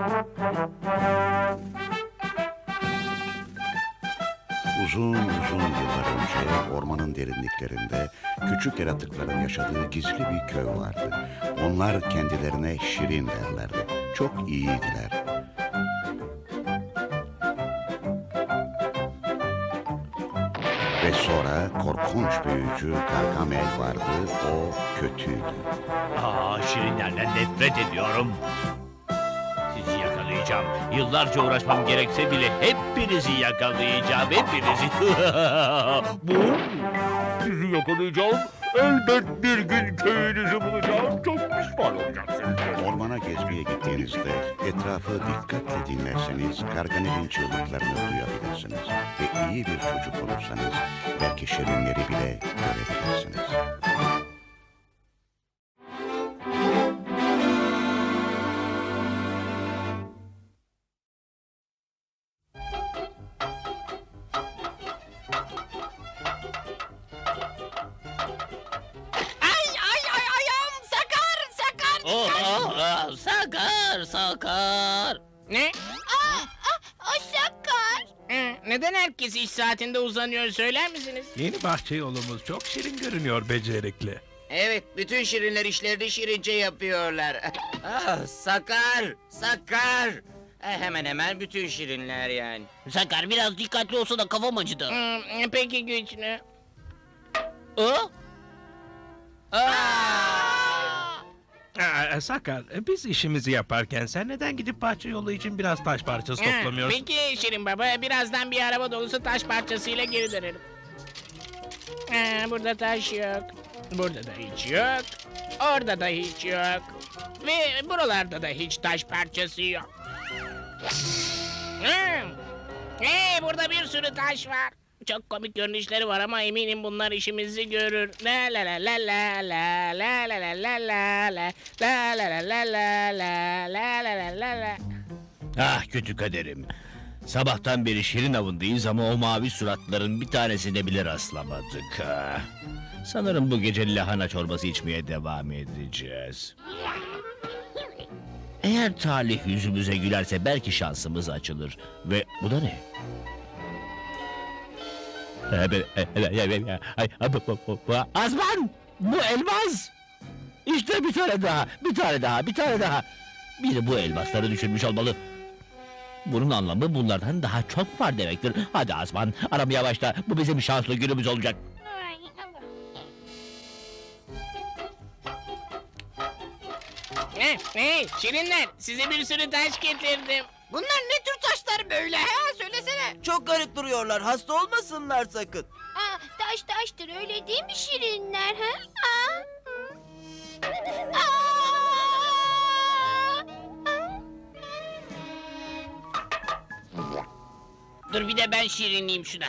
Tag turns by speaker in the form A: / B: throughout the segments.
A: Uzun uzun yıllar önce ormanın derinliklerinde küçük yaratıkların yaşadığı gizli bir köy vardı. Onlar kendilerine Şirin derlerdi. Çok iyiydiler. Ve sonra korkunç büyücü Gargamel vardı. O kötüydü.
B: Şirinlerden nefret ediyorum. Sizi yakalayacağım. Yıllarca uğraşmam gerekse bile hepinizi yakalayacağım. Hepinizi. Bu? Sizi yakalayacağım. Elbet bir gün köyünüzü bulacağım. Çok pişman olacaksınız.
A: Ormana gezmeye gittiğinizde etrafı dikkatle dinlerseniz Gargamel'in çığlıklarını duyabilirsiniz. Ve iyi bir çocuk olursanız belki şirinleri bile görebilirsiniz.
C: Ayağım sakar.
B: Sakar.
D: Ne?
C: O sakar.
D: Neden herkes iş saatinde uzanıyor söyler misiniz?
E: Yeni bahçe yolumuz çok şirin görünüyor becerikli.
F: Evet, bütün şirinler işlerini şirince yapıyorlar. Sakar. Hemen hemen bütün şirinler yani.
B: Sakar biraz dikkatli olsa da kafam acıdı.
D: Peki güçlü.
E: Sakar, biz işimizi yaparken sen neden gidip bahçe yolu için biraz taş parçası toplamıyorsun?
D: Peki Şirin Baba, birazdan bir araba dolusu taş parçasıyla geri dönerim. Burada taş yok. Burada da hiç yok. Orada da hiç yok. Ve buralarda da hiç taş parçası yok. Hey, burada bir sürü taş var. Çok komik görünüşleri var ama eminim bunlar işimizi görür. La la la la la la la la la la la la la la la la la la la la.
B: Ah kötü kaderim. Sabahtan beri şirin avındayız ama o mavi suratların bir tanesine bile rastlamadık. Sanırım bu gece lahana çorbası içmeye devam edeceğiz. Eğer talih yüzümüze gülerse belki şansımız açılır. Ve bu da ne? Azman! Bu elmas! İşte bir tane daha. Biri bu elmasları düşürmüş olmalı. Bunun anlamı bunlardan daha çok var demektir. Hadi Azman, aramaya başla. Bu bizim şanslı günümüz olacak.
D: Hey Şirinler, size bir sürü taş getirdim.
C: Bunlar ne tür taşlar böyle ha? Söylesene.
F: Çok garip duruyorlar, hasta olmasınlar sakın.
C: Taş taştır öyle değil mi şirinler ha?
D: Dur bir de ben şirinleyeyim şuna.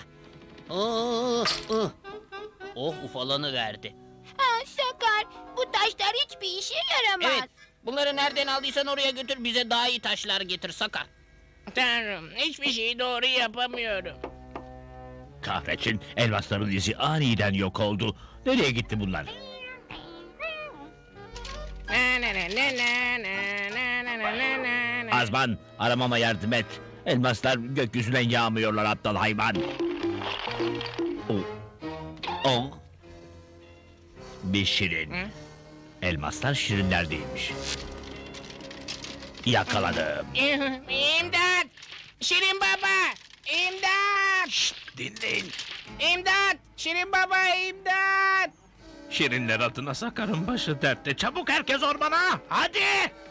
D: Oh ufalanı verdi.
C: Sakar, bu taşlar hiçbir işe yaramaz.
D: Evet, bunları nereden aldıysan oraya götür, bize daha iyi taşlar getir Sakar. Tanrım, hiçbir şeyi doğru yapamıyorum.
B: Kahretsin, elmasların izi aniden yok oldu. Nereye gitti bunlar? Azman, aramama yardım et. Elmaslar gökyüzünden yağmıyorlar aptal hayvan. Oh. Bir şirin.
D: Hı?
B: Elmaslar şirinler değilmiş. Yakaladım.
D: İmdat! Şirin Baba! İmdat!
E: Dinleyin.
D: İmdat! Şirin Baba imdat!
E: Şirinler adına Sakar'ın başı dertte. Çabuk herkes ormana! Hadi!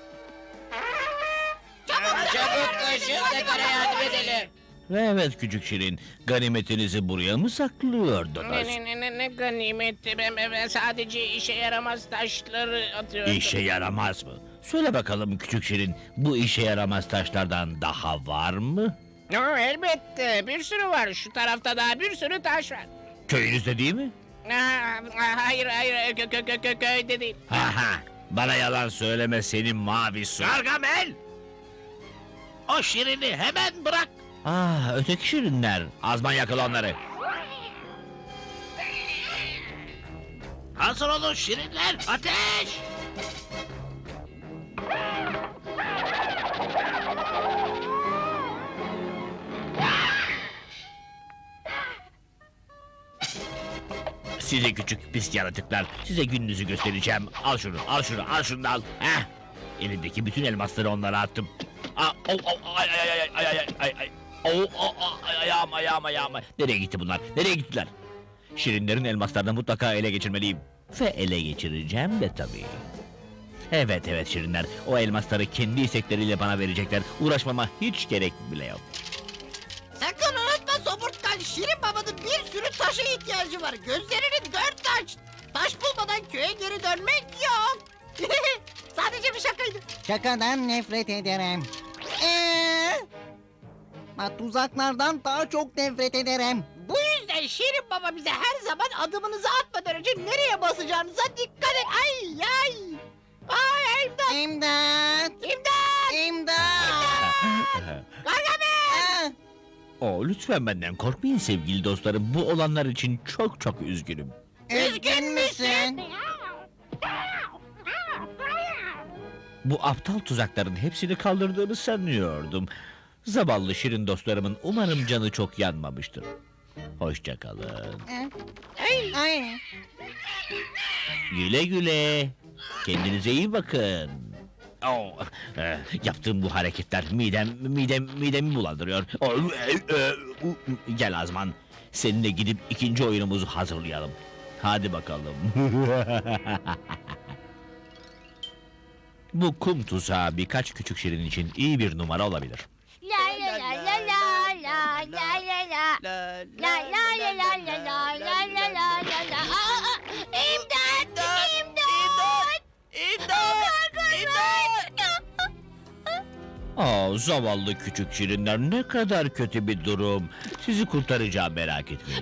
F: Çabuk koşun, Sakar'a yardım edelim.
B: Evet küçük şirin, ganimetinizi buraya mı saklıyordunuz?
D: Ne ganimetti, ben sadece işe yaramaz taşları atıyordum.
B: İşe yaramaz mı? Söyle bakalım küçük şirin, bu işe yaramaz taşlardan daha var mı?
D: Elbette, bir sürü var. Şu tarafta daha bir sürü taş var.
B: Köyünüzde değil mi?
D: Hayır, köyde değil.
B: Ha, bana yalan söyleme senin mavi su.
E: Gargamel! O şirini hemen bırak!
B: Öteki şirinler. Azman yakala onları.
E: Hazır olun şirinler, ateş!
B: Size küçük pis yaratıklar, size gününüzü göstereceğim. Al şunu, al şunu, al şunu da al. Heh. Elimdeki bütün elmasları onlara attım. Ay ay ay ay ay ay ay ay. Ayağım. Nereye gitti bunlar? Nereye gittiler? Şirinlerin elmaslarını mutlaka ele geçirmeliyim. Ve ele geçireceğim de tabii. Evet Şirinler, o elmasları kendi istekleriyle bana verecekler. Uğraşmama hiç gerek bile yok.
G: Sakın unutma Somurtkan, Şirin Baba'nın bir sürü taşa ihtiyacı var. Gözlerini dört aç. Taş bulmadan köye geri dönmek yok. Sadece bir şakaydı.
H: Şakadan nefret ederim. Tuzaklardan daha çok nefret ederim.
G: Bu yüzden Şirin Baba bize her zaman adımınızı atmadan önce nereye basacağınıza dikkat et. Ay ay. Ay imdat.
H: İmdat!
G: İmdat.
H: İmdat!
G: Gargamel.
B: Lütfen benden korkmayın sevgili dostlarım. Bu olanlar için çok üzgünüm.
H: Üzgün müsün?
B: Bu aptal tuzakların hepsini kaldırdığımı sanıyordum. Zavallı şirin dostlarımın umarım canı çok yanmamıştır. Hoşça kalın.
H: Ay.
B: Güle güle. Kendinize iyi bakın. Yaptığım bu hareketler midemi bulandırıyor. Gel Azman. Seninle gidip ikinci oyunumuzu hazırlayalım. Hadi bakalım. Bu kum tuzağı birkaç küçük şirin için iyi bir numara olabilir.
C: La la la la la la la la la. La la la la la la la la la la la. İmdat! İmdat!
B: Zavallı küçük şirinler, ne kadar kötü bir durum. Sizi kurtaracağım, merak etmeyin.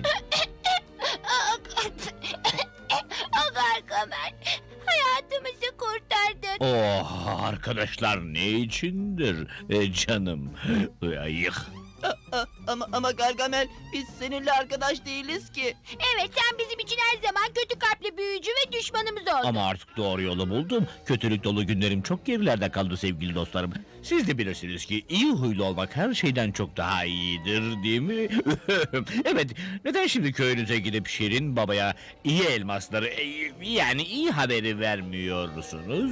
C: Gargamel, hayatımızı kurtardın.
B: Arkadaşlar ne içindir canım. Ayık.
H: Ama Gargamel, biz seninle arkadaş değiliz ki.
C: Evet, sen bizim için her zaman kötü kalpli büyücü ve düşmanımız oldun.
B: Ama artık doğru yolu buldum. Kötülük dolu günlerim çok gerilerde kaldı sevgili dostlarım. Siz de bilirsiniz ki iyi huylu olmak her şeyden çok daha iyidir, değil mi? Evet, neden şimdi köyünüze gidip Şirin Baba'ya iyi elmasları, yani iyi haberi vermiyorsunuz?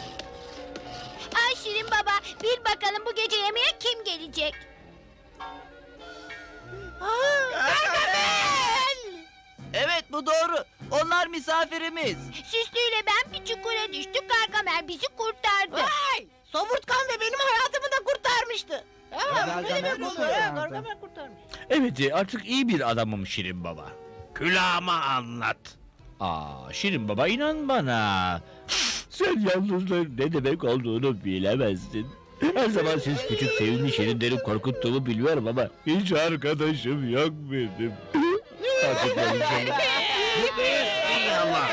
C: Ay Şirin Baba, bil bakalım bu gece yemeğe kim gelecek?
G: Gargamel.
H: Evet, bu doğru. Onlar misafirimiz.
C: Süslü ile ben bir çukura düştük, Gargamel bizi kurtardı.
G: Vay! Somurtkan ve benim hayatımı da kurtarmıştı.
H: Gargamel
G: Ne demek
H: mi
G: oluyor?
H: kurtardı?
G: Gargamel kurtarmış.
B: Evet, artık iyi bir adamım Şirin Baba.
E: Külahıma anlat.
B: Şirin Baba, inan bana. Sen yalnızlığın ne demek olduğunu bilemezsin. Her zaman siz küçük sevimli şirinleri korkuttuğumu biliyorum ama hiç arkadaşım yok benim. Artık konuşalım.
E: Ey Allah.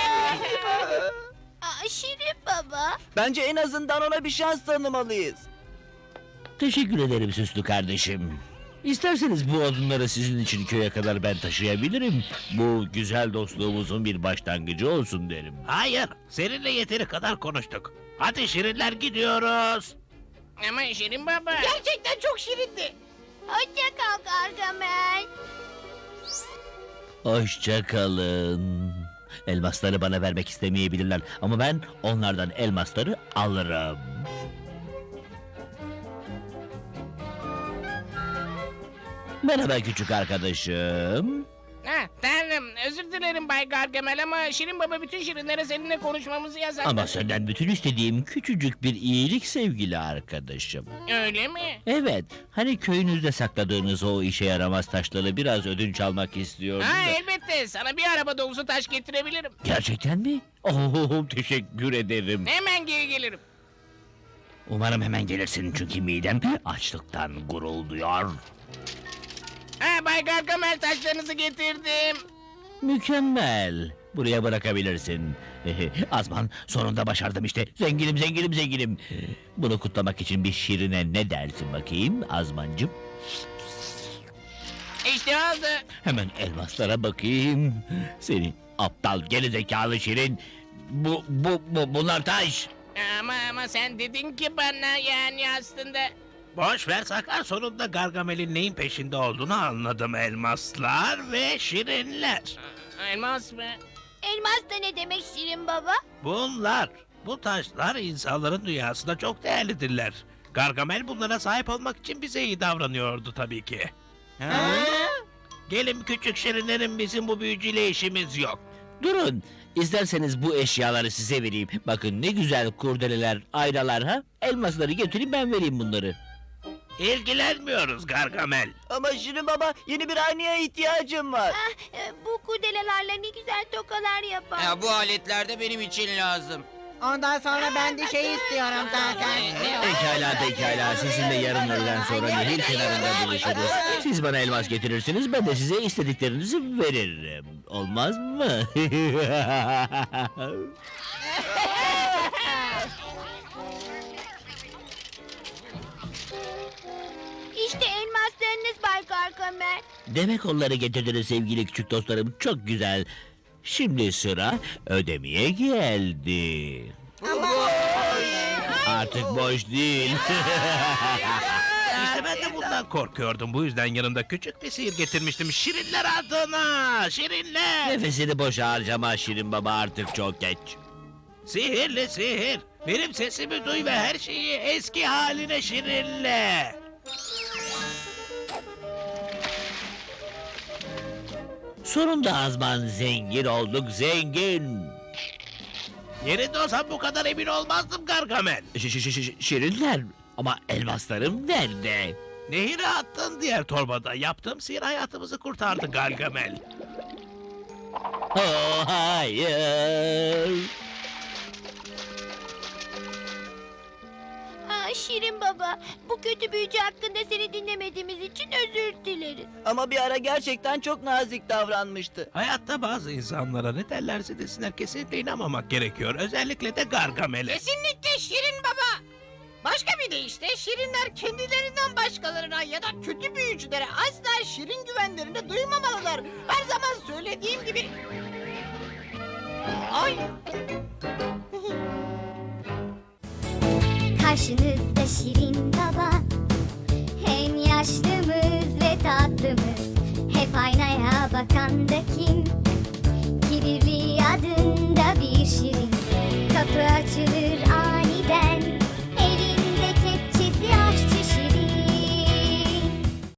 C: Şirin Baba.
H: Bence en azından ona bir şans tanımalıyız.
B: Teşekkür ederim süslü kardeşim. İsterseniz bu odunları sizin için köye kadar ben taşıyabilirim. Bu güzel dostluğumuzun bir başlangıcı olsun derim.
E: Hayır, seninle yeteri kadar konuştuk. Hadi şirinler, gidiyoruz.
D: Ama Şirin Baba.
G: Gerçekten çok şirindi.
C: Hoşça kal Gargamel.
B: Hoşça kalın. Elmasları bana vermek istemeyebilirler ama ben onlardan elmasları alırım. Merhaba küçük arkadaşım.
D: Tanrım, özür dilerim Bay Gargamel ama Şirin Baba bütün şirinlere seninle konuşmamızı yasakladı.
B: Ama senden bütün istediğim küçücük bir iyilik sevgili arkadaşım.
D: Öyle mi?
B: Evet, hani köyünüzde sakladığınız o işe yaramaz taşları biraz ödünç almak istiyordum da.
D: Elbette, sana bir araba dolusu taş getirebilirim.
B: Gerçekten mi? Teşekkür ederim.
D: Hemen geri gelirim.
B: Umarım hemen gelirsin çünkü midem açlıktan gurulduyor.
D: Bay Gargamel, taşlarınızı getirdim.
B: Mükemmel. Buraya bırakabilirsin. Azman, sonunda başardım işte. Zenginim. Bunu kutlamak için bir şirine ne dersin bakayım Azmancığım?
D: İşte oldu.
B: Hemen elmaslara bakayım. Seni aptal gerizekalı şirin. Bunlar taş.
D: Ama sen dedin ki bana, yani aslında...
E: Boş ver Sakar, sonunda Gargamel'in neyin peşinde olduğunu anladım. Elmaslar ve şirinler.
D: Elmas mı?
C: Elmas da ne demek Şirin Baba?
E: Bu taşlar insanların dünyasında çok değerlidirler. Gargamel bunlara sahip olmak için bize iyi davranıyordu tabii ki. Gelin küçük şirinlerim, bizim bu büyücüyle işimiz yok.
B: Durun. İsterseniz bu eşyaları size vereyim. Bakın ne güzel kurdeleler, aynalar ha. Elmasları getireyim ben vereyim bunları.
E: İlgilenmiyoruz Gargamel.
H: Ama Şirin Baba, yeni bir aynaya ihtiyacım var.
C: Bu kurdelelerle ne güzel tokalar yapar.
F: Ya bu aletler de benim için lazım.
G: Ondan sonra ben de şey istiyorum zaten.
B: Pekala. Sizinle yarın öğleden sonra nehir kenarında buluşuruz. Siz bana elmas getirirsiniz, ben de size istediklerinizi veririm. Olmaz mı?
C: İşte elmaslarınız Bay Gargamel.
B: Demek onları getirdiniz sevgili küçük dostlarım. Çok güzel. Şimdi sıra ödemeye geldi. Artık boş değil.
E: İşte ben de bundan korkuyordum. Bu yüzden yanımda küçük bir sihir getirmiştim. Şirinler adına! Şirinler!
B: Nefesini boşa harcama Şirin Baba, artık çok geç.
E: Sihirli sihir! Benim sesimi duy ve her şeyi eski haline şirinle!
B: Sonunda Azman zengin olduk, zengin.
E: Yerinde olsam bu kadar emin olmazdım Gargamel.
B: Şirinler, ama elmaslarım nerede?
E: Nehire attın diğer torbada. Yaptığım sihir hayatımızı kurtardı Gargamel.
B: Oh, hayır.
C: Şirin Baba, bu kötü büyücü hakkında seni dinlemediğimiz için özür dileriz.
H: Ama bir ara gerçekten çok nazik davranmıştı.
E: Hayatta bazı insanlara ne derlerse desinler kesinlikle inanmamak gerekiyor. Özellikle de Gargamel'e.
G: Kesinlikle Şirin Baba. Başka bir deyişle Şirinler kendilerinden başkalarına ya da kötü büyücülere asla Şirin güvenlerini duymamalılar. Her zaman söylediğim gibi. Ay.
I: Karşınızda Şirin Baba, hem yaşlımız ve tatlımız, hep aynaya bakan da kim? Kirli adında bir şirin, kapı açılır